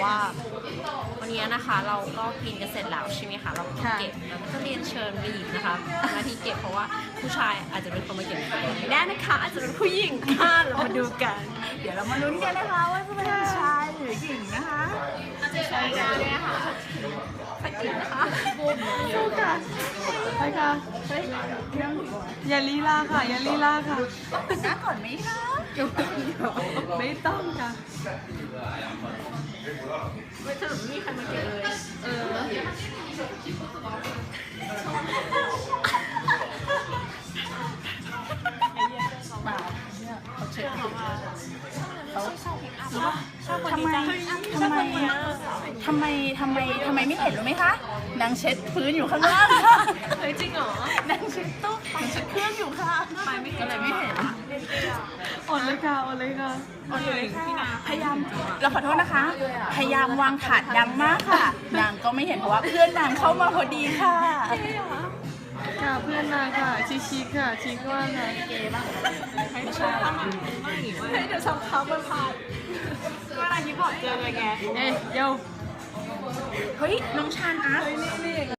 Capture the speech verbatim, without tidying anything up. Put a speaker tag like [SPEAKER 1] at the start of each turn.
[SPEAKER 1] ว่าวันนี้นะคะเราก็กินกันเสร็จแล้วใช่ไหมคะเราก็เก็บแล้วก็เรียนเชิญบีนะคะทำหน้าที่เก็บเพราะว่าผู้ชายอาจจะเป็นคนมาเก็บไม่ได้นะคะอาจจะเป็นผู้หญิงค่ะเรามาดูกัน
[SPEAKER 2] เดี๋ยวเรามาลุ้นกันนะคะว่าจะเป็นชายหรือหญิงนะคะ
[SPEAKER 1] ใช่ไหมคะไปกินนะคะ
[SPEAKER 2] สู้ค่ะไปค่ะเฮ้ยอย่าลีลาค่ะอย่าลีลาค่ะต้องแต่งหน้าก่อนไหมคะไม่ต้องค่ะ
[SPEAKER 1] ไม่สรุปมีใครมาเก็บเลยเออ
[SPEAKER 2] ทำไมทำไมทำไมทำไมทำไมไม่เห็นรู้ไหมคะนางเช็ดพื้นอยู่ข้างล่างค่ะ
[SPEAKER 1] เฮ้ยจริงเหรอน
[SPEAKER 2] างเช็ดโต๊ะนางเช็ดเครื่องอยู่ค่ะ
[SPEAKER 1] ไปไม่เห็น
[SPEAKER 2] ก็เลยไม่เห็น
[SPEAKER 3] อดเลยค่ะอดเลยค่ะ
[SPEAKER 2] อดเลยค่ะพยายามเราขอโทษนะคะ พยายามวางถาดดังมากค่ะนางก็ไม่เห็นเพราะว่าเพื่อนนางเข้ามาพอดีค่ะ
[SPEAKER 3] ค่ะเพื่อนนางค่ะชิชิค่ะชิคว่าค่ะ
[SPEAKER 2] เก๋บ้าง
[SPEAKER 1] ไม่ใช่ไม่เดี๋ยวสักพักมันผ่านเวลาที่บอกเจอไงแก
[SPEAKER 3] เอ้ยโย
[SPEAKER 2] เฮ้ยน้องชานอาร์ต